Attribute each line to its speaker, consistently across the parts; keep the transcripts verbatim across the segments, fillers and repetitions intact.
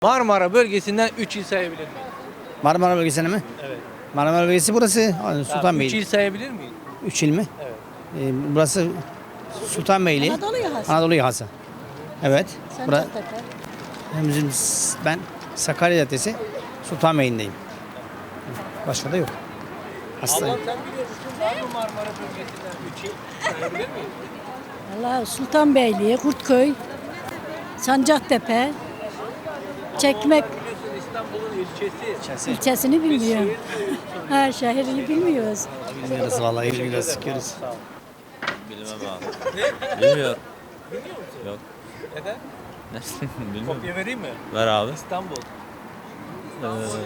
Speaker 1: Marmara bölgesinden üç il sayabilir miyim?
Speaker 2: Marmara bölgesine mi?
Speaker 1: Evet.
Speaker 2: Marmara bölgesi burası
Speaker 1: üç
Speaker 2: Sultanbeyli.
Speaker 1: il sayabilir miyim?
Speaker 2: Üç il mi?
Speaker 1: Evet.
Speaker 2: Ee, burası Sultanbeyli.
Speaker 3: Anadolu yakası.
Speaker 2: Anadolu yakası. Evet. Bura,
Speaker 3: Sancaktepe.
Speaker 2: bizim, ben Sakarya Caddesi Sultanbeyli'ndeyim. Başka da yok. Hastayım.
Speaker 1: Allah sen biliyor musun? Var mı Marmara bölgesinden üç il sayabilir miyim?
Speaker 3: Allah Sultanbeyli, Kurtköy, Sancaktepe, Çekmek
Speaker 1: Biliyorsun İstanbul'un ilçesi.
Speaker 3: ilçesini bilmiyorum. Ha, şehrini bilmiyoruz.
Speaker 2: Bilmiyoruz vallahi bilmiyoruz. Sıkıyoruz.
Speaker 4: Bilmem abi. Bilmiyorum.
Speaker 1: Biliyor musun?
Speaker 4: Yok.
Speaker 1: Neden?
Speaker 4: Bilmiyorum.
Speaker 1: Kopya vereyim mi?
Speaker 4: Ver abi.
Speaker 1: İstanbul.
Speaker 4: Ee,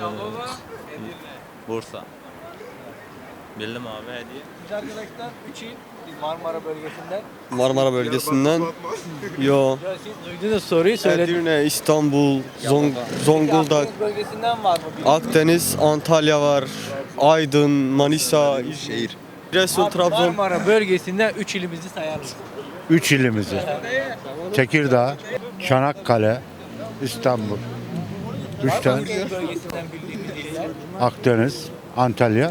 Speaker 4: Bursa. Bildim abi hediye.
Speaker 1: Biz arkadaşlar üç il Marmara bölgesinden.
Speaker 5: Marmara bölgesinden. Yo.
Speaker 1: Ya siz duydunuz soruyu söyledim.
Speaker 5: Edirne, İstanbul, Zong Zonguldak,
Speaker 1: Akdeniz bölgesinden var mı? bilmiyorum.
Speaker 5: Akdeniz, Antalya var, Aydın, Manisa, İzmir, Giresun,
Speaker 1: Abi,
Speaker 5: Trabzon.
Speaker 1: Marmara bölgesinden üç ilimizi sayar mısın?
Speaker 6: Üç ilimizi. Tekirdağ, Çanakkale, İstanbul. Üç tane.
Speaker 1: Akdeniz bölgesinden bildiğimiz iller.
Speaker 6: Akdeniz, Antalya.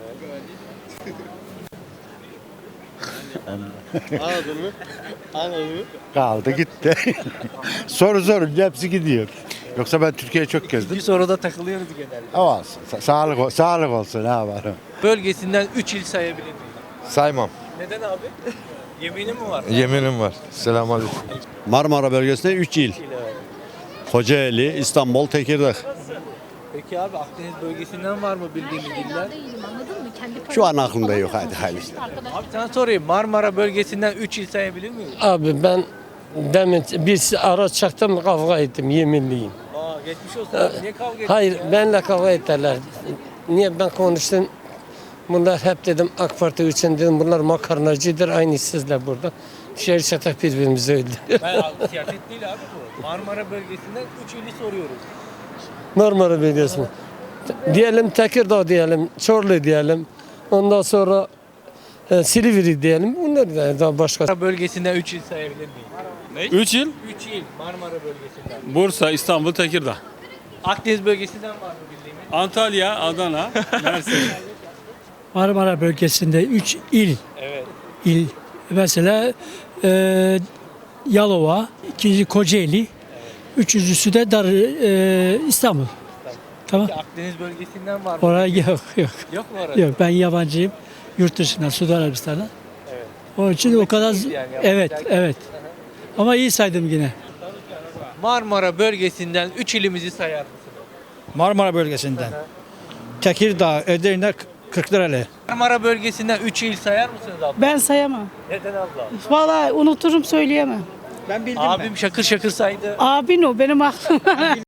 Speaker 5: Anladın mı? Anladın mı?
Speaker 6: Kaldı gitti. Soru sorunca hepsi gidiyor. Yoksa ben Türkiye'yi çok
Speaker 1: Bir
Speaker 6: gezdim.
Speaker 1: soruda takılıyoruz genelde.
Speaker 6: Ama olsun. Sa- sağlık, ol- sağlık olsun ne yapalım.
Speaker 1: Bölgesinden üç il sayabilir miyim?
Speaker 7: Saymam.
Speaker 1: Neden abi? Yeminim mi var?
Speaker 7: Yeminim var. Selamünaleyküm.
Speaker 8: Marmara bölgesinde üç il. Kocaeli, İstanbul, Tekirdağ.
Speaker 1: Peki abi Akdeniz bölgesinden var mı bildiğimiz iller?
Speaker 8: Şu an aklımda yok, hadi hayırlısı.
Speaker 1: Abi sana sorayım Marmara bölgesinden üç il sayabilir miyim?
Speaker 9: Abi ben demin bir araç çaktım kavga ettim yeminliyim.
Speaker 1: Aa geçmiş olsun abi. Niye kavga ettin
Speaker 9: Hayır
Speaker 1: ya?
Speaker 9: benle kavga ettiler. Niye ben konuştum? Bunlar hep dedim AK Parti için dedim bunlar makarnacıdır aynı sizle burada. Şehir çatak birbirimizi öldürüyor.
Speaker 1: Ben abi, siyaset değil abi bu. Marmara bölgesinden üç ili soruyoruz.
Speaker 9: Marmara bölgesi mi? Diyelim Tekirdağ diyelim, Çorlu diyelim. Ondan sonra e, Silivri diyelim. Bunlar da daha başka.
Speaker 1: Marmara bölgesinden üç il sayabilir miyim?
Speaker 10: üç il.
Speaker 1: üç il Marmara bölgesinden.
Speaker 10: Bursa, İstanbul, Tekirdağ.
Speaker 1: Akdeniz bölgesinden var mı bildiğimiz?
Speaker 10: Antalya, Adana, Mersin.
Speaker 11: Marmara bölgesinde üç il,
Speaker 1: Evet.
Speaker 11: il mesela e, Yalova, ikinci Kocaeli, üçüncüsü de Dar e, İstanbul. Tamam.
Speaker 1: Peki Akdeniz bölgesinden var mı?
Speaker 11: Oraya yok yok.
Speaker 1: Yok mu orada?
Speaker 11: Yok ben yabancıyım. Yurt dışından, Suudi Arabistan'dan.
Speaker 1: Evet.
Speaker 11: Onun için o kadar
Speaker 1: değil yani,
Speaker 11: evet,
Speaker 1: yapacak-
Speaker 11: evet. Ama iyi saydım yine.
Speaker 1: Marmara bölgesinden üç ilimizi sayar mısınız?
Speaker 2: Marmara bölgesinden. Tekirdağ, Edirne, Kırklareli.
Speaker 1: Marmara bölgesinden üç il sayar mısınız abla?
Speaker 3: Ben sayamam.
Speaker 1: Neden abla?
Speaker 3: Vallahi unuturum söyleyemem.
Speaker 2: Ben bildim
Speaker 1: Abim şakır şakır saydı.
Speaker 3: Abin o benim aklım.